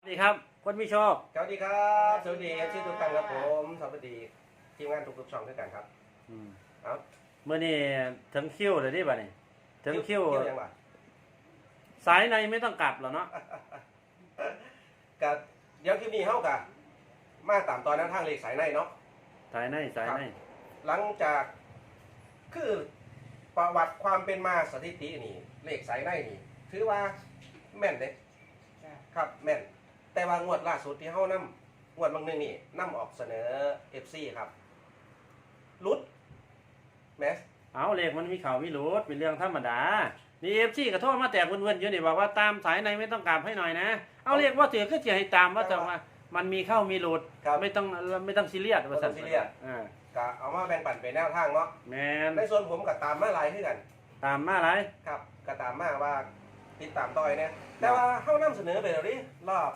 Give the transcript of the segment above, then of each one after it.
สวัสดีครับคนมีโชคสวัสดีครับสวัสดีชื่อทุกท่านครับผมสวัสดีทีมงานทุกๆช่องด้วยกันครับครับเมื่อนี้ถึงคิวเลยดิบ่ะนี่ถึงคิวยังวะสายในไม่ต้องกลับหรอเนาะกับเดี๋ยวคลิปนี้เฮากับมาตามตอนนั้นทางเลขสายในเนาะสายในหลังจากคือประวัติความเป็นมาสถิตินี่เลขสายในนี่ถือว่าแม่นเด้ครับแม่นแต่ว่างวดล่าสุดที่เฮานำงวดบางนึงนี่นำออกเสนอ FC ครับลุดแมสเอาเลขมันมีข่าวมีหลุดเป็นเรื่องธรรมดานี่FCกระโทษมาแตกเวินๆอยู่นี่บอกว่าตามสายในไม่ต้องกลับให้หน่อยนะเอาเลขว่าถือก็จะให้ตามว่าจะว่ามันมีเข้ามีหลุดไม่ต้องซีเรียสว่าซั่นซีเรียสก็เอามาแบ่งปันเป็นแนวทางเนาะแม่นในส่วนผมก็ตามมาหลายคือกันตามมาหลายครับก็ตามมาว่าติดตามต่อยเนี่ยแต่ว่าเฮานำเสนอไปแล้วดิรอบ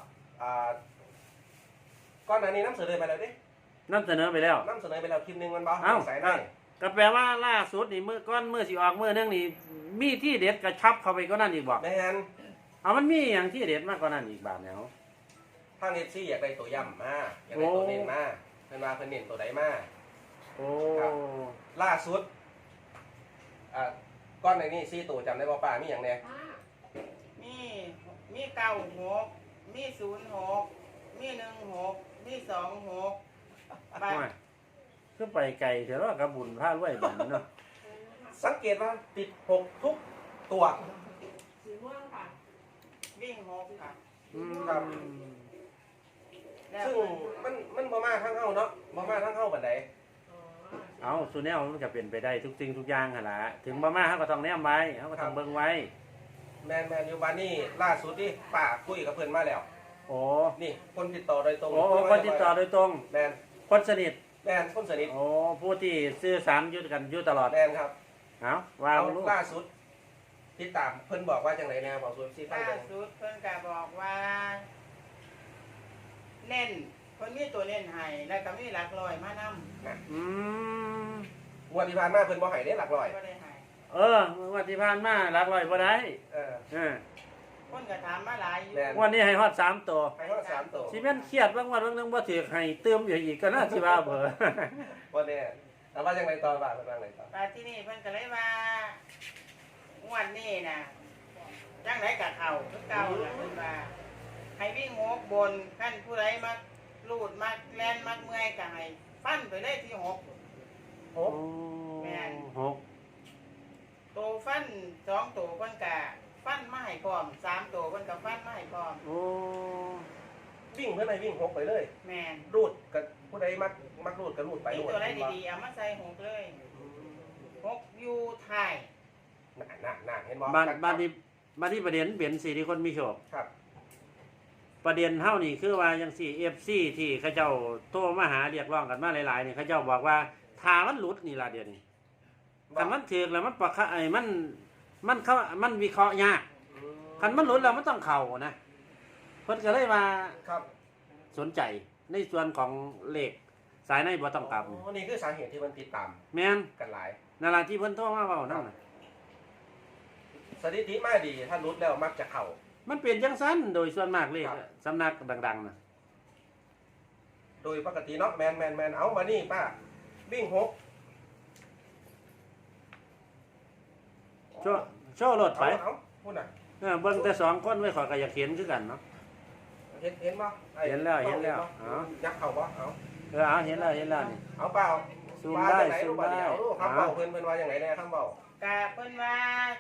ก่อนหน้านี้นำเสนอไปแล้วดินำเสนอไปแล้วนำเสนอไปแล้วคลิปนึงมันบ่ใส่ได้ก็แปลว่าล่าสุดนี่มื้อสิออกมื้อนึงนี่มีที่เด็ดกระชับเข้าไปก็นั่นอีกบ่แม่นเอามันมีอย่างที่เด็ดมากกว่านั้นอีกบาทแล้วทาง FC อยากได้ตัวย่ำมาอยากได้ตัวเน้นมาเพิ่นว่าเพิ่นเน้นตัวใดมาโอ้ล่าสุดก้อนในนี้4ตัวจำได้บ่ป้ามีหยังแน่มี96มี06มี16มี26 ไปคือไปไกลเถอะว่ากับบุญพลาดไว้แบบนี้เนาะสังเกตว่าติด6ทุกตัวสีม่วงค่ะวิ่ง6ค่ะครับซึ่งมันบ่มาทั้งเฮาเนาะบ่มาทั้งเฮาปานใดเอาสุแนวมันก็เป็นไปได้ทุกสิ่งทุกอย่างหั่นล่ะถึงบ่มาเฮาก็ต้องแนมไว้เฮาก็ต้องเบิ่งไว้แม่นอยู่บ้านนี้ล่าสุดที่ป้าคุยกับเพิ่นมาแล้วโอ้นี่คนติดต่อโดยตรงโอ้คนติดต่อโดยตรงแม่นคนสนิทแม่นคนสนิทโอ้ผู้ที่สื่อสารอยู่กันอยู่ตลอดแม่นครับเอาว่าลูกล่าสุดติดตามเพิ่นบอกว่าจังได๋แน่บอกสุดสิฟังล่าสุดเพิ่นก็บอกว่าเน้นเพิ่นมีตัวเน้นให้แล้วก็มีหลักร้อยมานงวดที่ผ่านมาเพิ่นบ่ให้ได้หลักร้อยบ่ได้ให้วันที่ผ่านมาหลักร้อยบ่ได้คนก็ถามมาหลายอยู่วันนี้ให้ฮอด3ตัวให้ฮอด3ตัวสิแม่นเครียดบางวันบางนึงบ่ถูกให้เติมอีกก็น่าสิว่าเบ้อบ่แน่แต่ว่าจังได๋ต่อว่าเพิ่นว่าไงต่อที่นี่เพิ่นก็เลยว่างวดนี้น่ะจังได๋ก็เข้าคือเก่าล่ะเพิ่นว่าให้วิ่ง6บนคันผู้ใดมักลูดมักแล่นมักเมื่อยก็ให้ฟันไปเลยที่6แม่น6ตัวฟัน2ตัวเพิ่นก็ฟันมาให้พร้อม3ตัวเพิ่นก็ฟันมาให้พร้อมวิ่งเพิ่นให้วิ่ง6ไปเลยแม่นรูดกับผู้ใดมักรูดก็รูดไปรูดตัวใดดีๆเอามาใส่6เลย6อยู่ท้ายน่ะเห็นบ่บ้านนี้ประเด็นเป็น4ที่คนมีโชคครับประเด็นเฮานี่คือว่าจังซี่ FC ที่เขาเจ้าโทรมาหาเรียกร้องกันมาหลายๆนี่เขาเจ้าบอกว่าถ้ามันหลุดนี่ล่ะเดี๋ยวนี้คันมันถูกแล้วมันปะมันวิเคราะห์ยากคันมันหลุดแล้วมันต้องเข้านะเพิ่นก็เลยว่าครับสนใจในส่วนของเลขสายในบ่ต้องกลับนี่คือสาเหตุที่มันติดตามแม่นกันหลายนั่นล่ะที่เพิ่นโทรมาเว้านั่นน่ะสถิติมาดีถ้าหลุดแล้วมักจะเข้ามันเป็นจังซั่นโดยส่วนมากเลขสำนักดังๆน่ะโดยปกติเนาะแมนเอามานี่ป้าวิ่ง6 โชว์รถไปพูดน่ะเบิ่งแต่2คนไว้ขอยก็อยากเห็นคือกันเนาะเห็นบ่เห็นแล้วยักเข้าบ่เอาเอาเห็นแล้วนี่เอาเปล่าซูมได้ครับเปล่าเพิ่นว่าจังได๋แน่ครับเปล่าก็เพิ่นว่า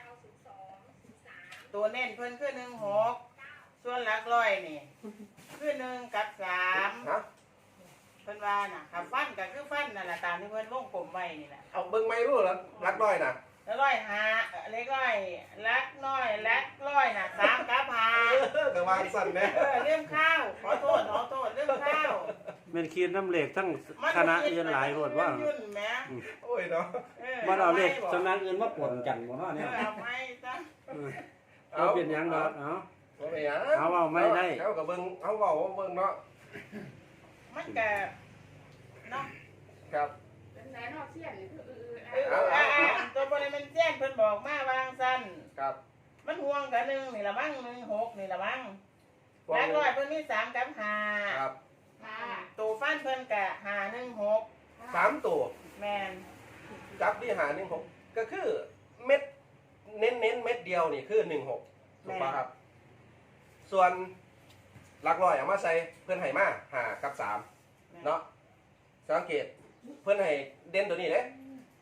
ตัวเน้นเพิ่นคือ16ส่วนหลักร้อยนี่คือ1กับ3 ฮะเพิ่นว่าน่ะถ้าฟันก็คือฟันนั่นล่ะตามที่เพิ่นวงกลมไว้นี่แหละเอาเบิ่งไม่รู้แล้วหลักร้อยน่ะร้อยหาเล็กร้อยลักน้อยลักร้อยน่ะ3กับ5 ก็วางสั่นแน่เรื่องข้าวขอโทษเรื่องข้าวแม่นคีนน้ำเลขทั้งคณะอื่นหลายโหดว่าโอ้ยเนาะบ่เอาเลขสำนักอื่นมาปนกันบ่เนาะเนี่ยเอาไม่จ้ะเอาเป็นหยังดอกเอาไม่ได้เอาก็เบิ่งเอาเว้าเบิ่งเนาะมันก็เนาะครับเป็นไหนนอกเสี้ยนนี่คือตัวบริเวณเส้นเพิ่นบอกมาวางสั้นครับมันห่วงกัน1นี่ละมั้ง16นี่ละมั้ง 6 รักร้อยเพิ่นมี3กับครับค่ะ 5ตัวฟันเพิ่นก็516 3ตัวแม่นจับที่หา16ก็คือเม็ดเน้นเม็ดเดียวนี่คือ16ถูกป่ะครับ ส่วนหลักร้อยเอามาใส่เพื่อนให้มา5กับ3เนาะสังเกตเพื่อนให้เด่นตัวนี้เลย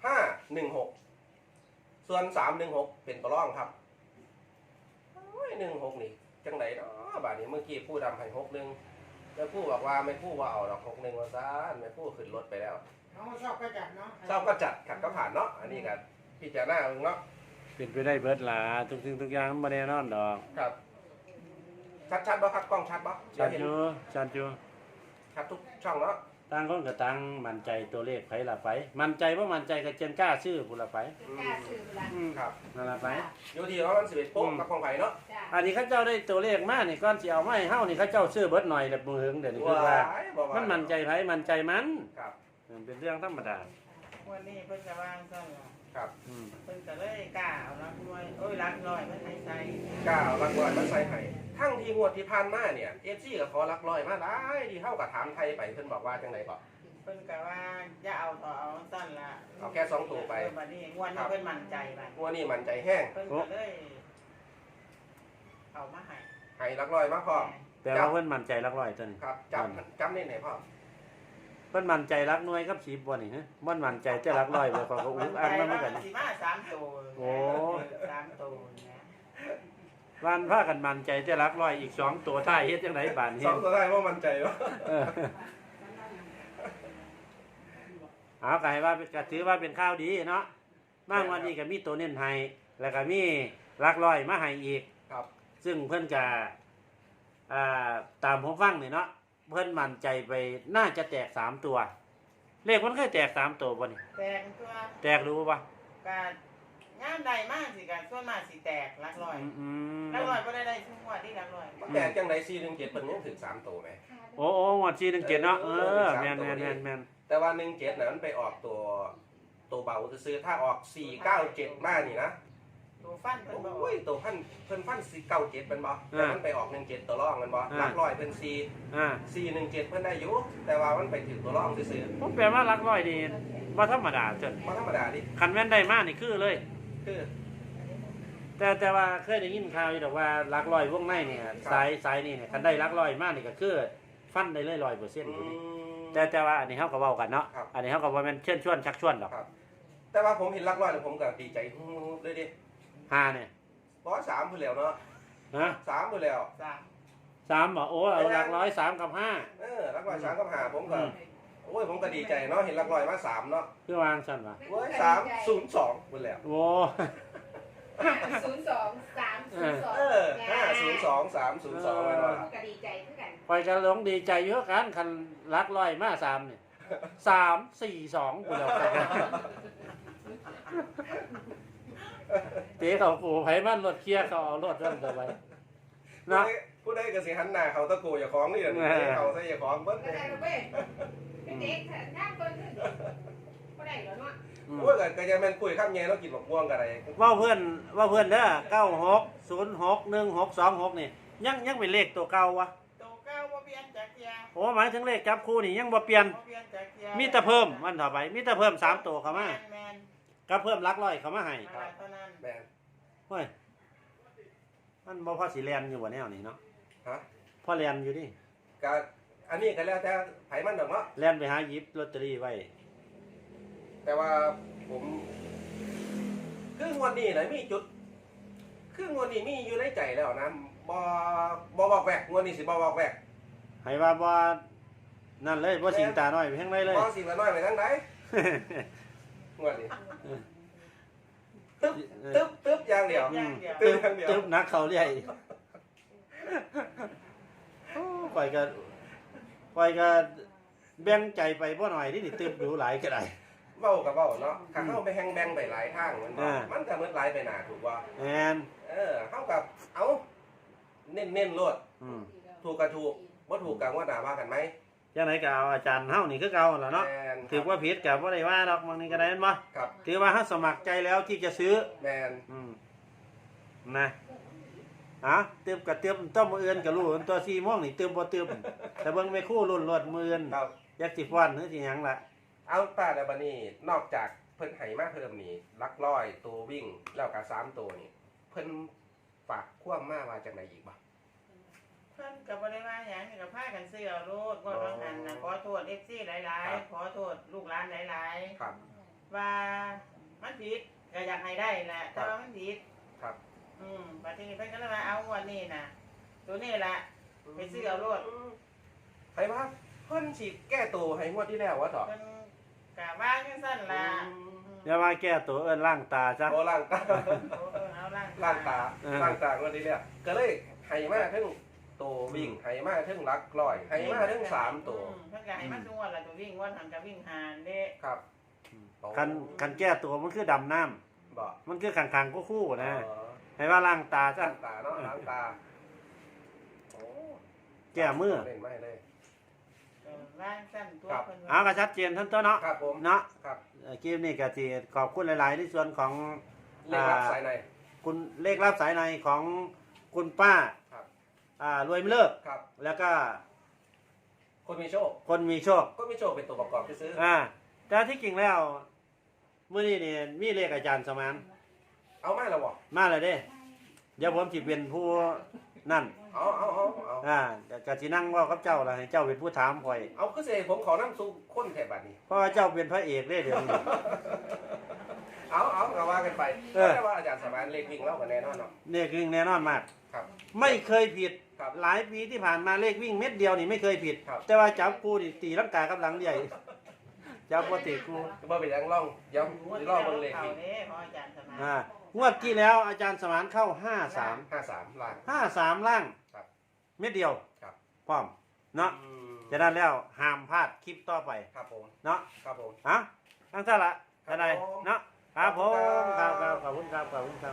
516ส่วน316เป็นตัวร่องครับโอ้ย16นี่จังไหนเนาะบาดนี้เมื่อกี้ผู้ดำให้61แล้วผู้บอกว่าไม่ผู้ว่าเอาดอก61ว่าซ่านไม่ผู้ขึ้นรถไปแล้วเขาชอบก็จัดเนาะเจ้าก็จัดขัดก็ผ่านเนาะอันนี้กันพิจารณาเนาะเป็นไปได้เบิดหลาทุกสิ่งทุกอย่างมันบ่แน่นอนดอกครับชัดบ่ครับกล้องชัดบ่ชัดอยู่ชัดอยู่ชัดทุกช่องเนาะต่างคนก็ต่างมั่นใจตัวเลขไผละไป มั่นใจบ่มั่นใจก็เจนกล้าซื้อผู้ละไปกล้าซื้อเวลาครับนั่นละไปอยู่ที่ว่ามัน11โป๊กกับของไผ่เนาะจ้ะอันนี้เขาเจ้าได้ตัวเลขมานี่ก่อนสิเอามาให้เฮานี่เขาเจ้าซื้อเบิดหน่อยแบบมือหึงเดี๋ยวนี้คือว่าบอกว่ามันมั่นใจไผมั่นใจมันครับเป็นเรื่องธรรมดาวันนี้เพิ่นก็วางซั่นล่ะครับอืมเพิ่นก็เลยกล้าเอารักร้อยโอ้ยรักร้อยมันให้ใส่ก้าวรักร้อยมาใส่ให้ทั้งที่งวดที่ผ่านมาเนี่ยFCก็ขอรักร้อยมาหลายที่เฮาก็ถามไทยไปเพิ่นบอกว่าจังไดบ่เพิ่นก็ว่าอย่าเอาต่อเอาซั่นล่ะเอาแค่2ตัวไปบัดนี้งวดนี้เพิ่นมั่นใจบัดงวดนี้มั่นใจแห้งเพิ่นก็เลยเอามาให้ให้รักร้อยมาพร้อมแต่ว่าเพิ่นมั่นใจหลักร้อยตัวนี้ครับจำนี่ไหนพ่อเพิ่นมั่นใจหลักหน่วยกับ10บ่นี่ฮะมันมั่นใจแต่หลักร้อยบ่ก็อุ้งอังนำกันสิมา3ตัวโอ้ 3ตัวนะวันพากันมั่นใจแต่หลักร้อยอีก2ตัวท้ายเฮ็ดจังไดบาดนี้ 2ตัวได้ว่ามั่นใจบ่เออเอาก็ให้ว่าก็ถือว่าเป็นข้าวดีเนาะบางวันนี้ก็มีตัวเน้นให้แล้วก็มีหลักร้อยมาให้อีกครับซึ่งเพิ่นก็ตามผมฟังนี่เนาะเพิ่นมั่นใจไปน่าจะแตก3ตัว เลขมันเคยแตก3ตัวบ่นี่แตกตัวแตกรู้ป่ะการงานใดมากสิการส่วนมากสิแตกหลักร้อยมหลักร้อยก็ได้ทุกงวดที่หลักร้อยแต่จังได417เพิ่นยังถึง3ตัวไหมโอ้งวด417เนาะแม่นแต่ว่า17น่ะมันไปออกตัวเบาซื้อๆถ้าออก497มานี่นะตัวฟันเพิ่นบอกโอ้ยตัวเพิ่นฟัน497มันบ่แต่มันไปออก17ตัวรองมันบ่หลักร้อยเพิ่น417เพิ่นได้อยู่แต่ว่ามันไปถึงตัวรองซื่อผมแปลว่าหลักร้อยนี่บ่ธรรมดาเจ้ะๆบ่ธรรมดาดิคันแม่นได้มานี่คือเลยคือแต่ว่าเคยได้ยินข่าวอยู่ดอกว่าหลักร้อยวงในเนี่ยสายนี่เนี่ยคันได้หลักร้อยมานี่ก็คือฟันได้เลย100%อยู่นี่แต่ว่าอันนี้เฮาก็เว้ากันเนาะอันนี้เฮาก็บ่แม่นเชิญชวนชักชวนหรอกครับแต่ว่าผมเห็นหลักร้อยแล้วผมก็ดีใจเลยดิ 5เนี่ยบ่3พุ่นแล้วเนาะฮะ 3พุ่นแล้ว 3บ่โอ้เอาหลักร้อย3กับ5 หลักร้อย3กับ5ผมก็โอ้ยผมก็ดีใจเนาะเห็นหลักร้อยมา3เนาะคือวางซั่นว่ะโอ้ย302พุ่นแล้วโอ้ 02 302 502 302มันว่าก็ดีใจคือกันไปกันหลงดีใจอยู่กันคันหลักร้อยมา3เนี่ย342กูแล้วกันเตะเขากูไผมันรถเคลียร์เขาเอารถนั่นต่อไปเนาะผู้ใดก็สิหันหน้าเขาตะโกอย่าของนี่แหละเขาใส่อย่าของเบิ้ลก็ได้แล้วเว้ยเป็นเด็กย่างเปิ้นก็ได้แล้วเนาะโอ้ยก็จะแม่นคุยข้ามแย่แล้วกินบักม่วงกันอะไรว่าเพื่อนเด้อ96061626นี่ยังเป็นเลขตัวเก่าวะตัวเก้าบ่เปลี่ยนจากเทียโอ้หมายถึงเลขจับคู่นี่ยังบ่เปลี่ยนบ่เปลี่ยนจากเทียมีแต่เพิ่มมันต่อไปมีแต่เพิ่ม3ตัวเข้ามาแม่นก็เพิ่มหลักร้อยเข้ามาให้ๆเท่านั้นแม่นเฮ้ยมันบ่พอสิแล่นอยู่บ่แนวนี้เนาะฮะพอแล่นอยู่ดิก็อันนี้ก็แล้วแต่ไผมันดอกเนาะแล่นไปหาหยิบลอตเตอรี่ไว้แต่ว่าผมคืองวดนี้นะมีจุดคืองวดนี้มีอยู่ในใจแล้วนะบ่บอกแวกงวดนี้สิบ่บอกแวกให้ว่าบ่นั่นเลยบ่สิงตาน้อยไปทางใดเลยบ่สิละน้อยไปทางใดงวดนี้ตึ๊บอย่างเดียวอืมตึ๊บอย่างเดียวตึ๊บนักเขาเรียกอีกโอ้ข่อยก็แบ่งใจไปบ่หน่อยนี่ตึ๊บดูหลายก็ได้เว้ากับเว้าเนาะถ้าเฮาไปแฮงแบงไปหลายทางมันบ่อ่ามันก็เหมือนหลายไปหน้าถูกบ่แอนเฮากับเอาเน้นๆโลดอืมถูกก็ถูกบ่ถูกก็ว่าด่าว่ากันไหมจังไหนก็เอาอาจารย์เฮานี่คือเก่าล่ะเนาะแม่นถือว่าผิดก็บ่ได้ว่าดอกบางนี้ก็ได้แม่นบ่ครับถือว่าเฮาสมัครใจแล้วที่จะซื้อแม่นอืมนะเติมกับเติมต้มมืออื่นกับรู้ตัว4 โมงนี่เติมบ่เติมแต่เบิ่งไม่คู่รุ่นรถมืออื่นครับยักสิฟ้อนหรือสิหยังล่ะเอาตาแล้วบัดนี้นอกจากเพิ่นให้มาเพิ่มนี่หลักร้อยตัววิ่งแล้วก็3ตัวนี่เพิ่นฝากความมาว่าจังไดอีกบ่เพิ่นก็บ่ได้ว่าหยังก็พากันซื้อเอาโลดงวดบางหันน่ะขอโทษ FC หลายๆขอโทษลูกหลานหลายครับๆว่ามันผิดก็อยากให้ได้แหละแต่ว่ามันผิดครับบัดนี้เพิ่นก็เลยว่าเอางวดนี้น่ะตัวนี้ล่ะไปซื้อเอาโลดใครว่าเพิ่นสิแก้ตัวให้งวดที่แล้ววะต่อเพิ่นก็ว่าจังซั่นล่ะอย่ามาแก้ตัวเอิ้นล้างตาซะโอ้ล่างตาเอาล่างล่างตาล่างตางวดที่แล้วก็เลยให้มาถึงตัววิ่งให้มาถึงหลักร้อยให้มาถึง3ตัวเพิ่นก็ให้มาทุกงวดล่ะตัววิ่งงวดหันก็วิ่งหานเด้ครับคันแก้ตัวมันคือดำน้ำบ่มันคือขังๆคู่ๆนะอ๋อให้ว่าล้างตาซะล้างตาเนาะล้างตาโอ้แก้มือเล่นไม่เลยร่างสั้นตัวเพิ่นเอาก็ชัดเจนท่านตัวเนาะครับผมเนาะครับเกมนี้ก็สิขอบคุณหลายๆในส่วนของเลขรับสายในคุณเลขรับสายในของคุณป้าครับรวยไม่เลิกครับแล้วก็คนมีโชคคนมีโชคก็มีโชคเป็นตัวประกอบที่ซื้อแต่ที่จริงแล้วมื้อนี้นี่มีเลขอาจารย์สมานเอามาแล้วบ่มาแล้วเด้ เดี๋ยวผมสิเป็นผู้นั่นเอาก็สินั่งเว้ากับเจ้าล่ะให้เจ้าเป็นผู้ถามข่อยเอาคือเสผมขอน้ำซุปข้นแถบบัดนี้เพราะว่าเจ้าเป็นพระเอกเด้เดี๋ยวนี้เอาก็ว่ากันไปเออแต่ว่าอาจารย์สมานเลขวิ่งเล่ากันแน่นอนเนาะเลขวิ่งแน่นอนมากครับไม่เคยผิดครับหลายปีที่ผ่านมาเลขวิ่งเม็ดเดียวนี่ไม่เคยผิดครับแต่ว่าจับกูนี่ตีลังกากับหลังใหญ่ จับบ่ตีกูบ่เป็นหยังล่องย้ำงวดสิที่ล่อแล้วเบิ่งเลขเขาวิ่งเด้ของอาจารย์สมานงวดที่แล้วอาจารย์สมานเข้า 53 53ล้าน 53ล่างครับเม็ดเดียวครับพร้อมเนาะอืมจะนั้นแล้วห้ามพลาดคลิปต่อไปครับผมเนาะครับผมทั้งท่านละครับท่านใดผมเนาะครับผมขอบคุณคครัรับ บขอบคุณครับขอบคุณครับ